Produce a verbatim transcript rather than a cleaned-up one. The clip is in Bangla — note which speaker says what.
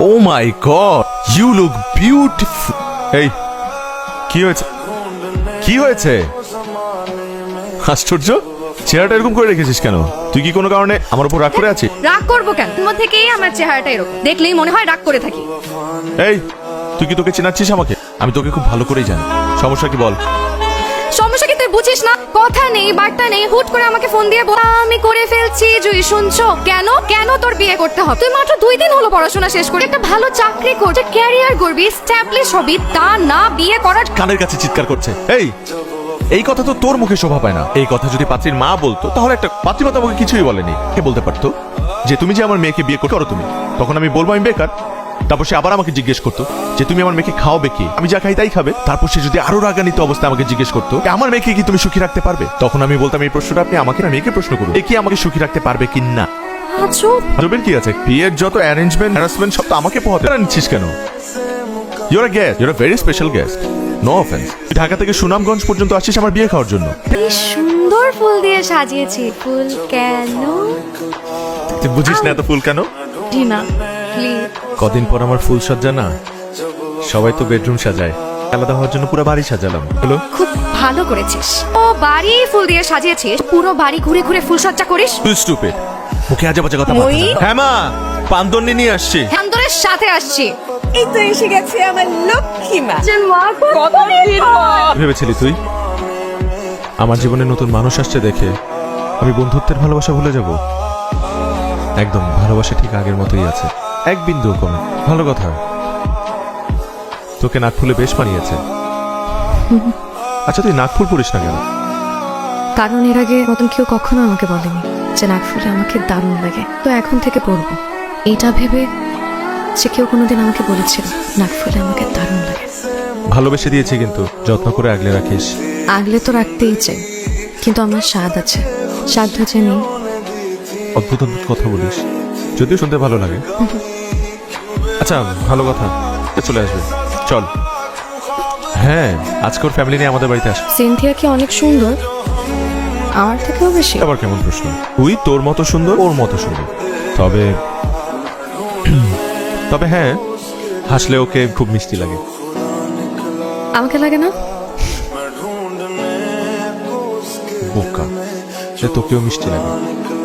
Speaker 1: O my god, you look beautiful. এই কি হয়েছে, কি হয়েছে? আশ্চর্য, চেহারাটা এরকম করে রেখেছিস কেন? তুই কি কোনো কারণে আমার উপর রাগ করে আছিস?
Speaker 2: রাগ করবো কেন? তোমার থেকেই আমার চেহারাটা এরকম, দেখলেই মনে হয় রাগ করে থাকি।
Speaker 1: এই তুই কি তোকে চেনাচ্ছিস আমাকে? আমি তোকে খুব ভালো করেই জানি। সমস্যা কি বল?
Speaker 2: সমস্যা কি তুই বুঝিস না? কথা নেই বার্তা নেই, হুট করে আমাকে ফোন দিয়ে বল আমি করে ফেলছি। জুই শুনছো? কেন কেন তোর বিয়ে করতে হবে? তুই মাত্র দুই দিন হলো পড়াশোনা শেষ করে একটা ভালো চাকরি করছিস, ক্যারিয়ার করবি, স্ট্যাবলিশ হবি, তা না বিয়ে করার।
Speaker 1: কানের কাছে চিৎকার করছে। এই এই কথা তো তোর মুখে শোভা পায় না। এই কথা যদি পাত্রীর মা বলতো তাহলে একটা পাত্রী মতো আমাকে কিছুই বলেনি। কে বলতে পারতো যে তুমি যে আমার মেয়েকে বিয়ে করো তুমি, তখন আমি বলবো আমি বেকার। তারপর সে আবার আমাকে জিজ্ঞেস করতো যে তুমি আমার মেয়েকে খাওয়াবে কি? আমি যা খাই তাই খাবে। তারপর সে যদি আরো রাগান্বিত অবস্থায় আমাকে জিজ্ঞেস করতো আমার মেয়েকে কি তুমি সুখী রাখতে পারবে? তখন আমি বলতাম এই প্রশ্নটা আপনি আমাকে না মেয়েকে প্রশ্ন করুন, এ কি আমাকে সুখী রাখতে পারবে কি না। আজবের কি আছে? বিয়ের যত অ্যারেঞ্জমেন্ট হ্যারাসমেন্ট সব তো আমাকে পোহাতে নিচ্ছিস কেন? Your a guest, your a very special guest. No offence. Dhaka থেকে সুনামগঞ্জ পর্যন্ত আসছিস আমার বিয়ে খাওয়ার জন্য।
Speaker 2: কি সুন্দর ফুল দিয়ে সাজিয়েছি। ফুল কেন?
Speaker 1: তুই বুঝিস না এত ফুল কেন?
Speaker 2: না প্লিজ।
Speaker 1: কদিন পর আমার ফুল সজ্জা না, সবাই তো বেডরুম সাজায়, আলাদা হওয়ার জন্য পুরো বাড়ি সাজালাম। হ্যালো,
Speaker 2: খুব ভালো করেছিস। ও বাড়ি ফুল দিয়ে সাজিয়েছিস, পুরো বাড়ি ঘুরে ঘুরে ফুল সজ্জা করিস।
Speaker 1: তুই স্টুপিড, মুখে আজে বাজে কথা বল। হ্যাঁ মা, পান্দন্নি নিয়ে আসছি।
Speaker 2: হ্যান্দরের সাথে আসছি।
Speaker 3: এই তো এসে গেছে আমার লক্ষ্মী মা।
Speaker 1: ভেবেছিলি তুই আমার জীবনে নতুন মানুষ আসছে দেখে আমি বন্ধুত্বের ভালোবাসা ভুলে যাব? একদম, ভালোবাসা ঠিক আগের মতোই আছে, এক বিন্দু কমে। ভালো কথা, তোকে নাক ফুলে বেশ মানিয়েছে। আচ্ছা তুই নাক ফুল পরিস না কেন?
Speaker 2: কারণ এর আগে মতন কেউ কখনো আমাকে বলেনি যে নাক ফুলে আমাকে দারুণ লাগে, তো এখন থেকে পরবো। এটা ভেবে যে কেউ কোনোদিন আমাকে বলেছিল নাক ফুলে আমাকে দারুণ লাগে।
Speaker 1: ভালোবেসে দিয়েছি কিন্তু যত্ন করে আগলে রাখিস।
Speaker 2: আগলে তো রাখতেই চাই, কিন্তু আমার স্বাদ আছে, সাধ্য যে নেই।
Speaker 1: অদ্ভুত অদ্ভুত কথা বলিস, যদিও শুনতে ভালো লাগে। আচ্ছা ভালো কথা, চলে আসবে চল। হ্যাঁ, আজকে ওর ফ্যামিলি নিয়ে আমাদের বাড়িতে আস।
Speaker 2: সিনথিয়া কি অনেক সুন্দর? আমার থেকেও বেশি?
Speaker 1: আবার কেমন প্রশ্ন? তুই তোর মতো সুন্দর, ওর মতো সুন্দর। তবে তবে হ্যাঁ, হাসলে ওকে খুব মিষ্টি লাগে।
Speaker 2: আমাকে লাগে না?
Speaker 1: বোকা, সে তোকেও মিষ্টি লাগে।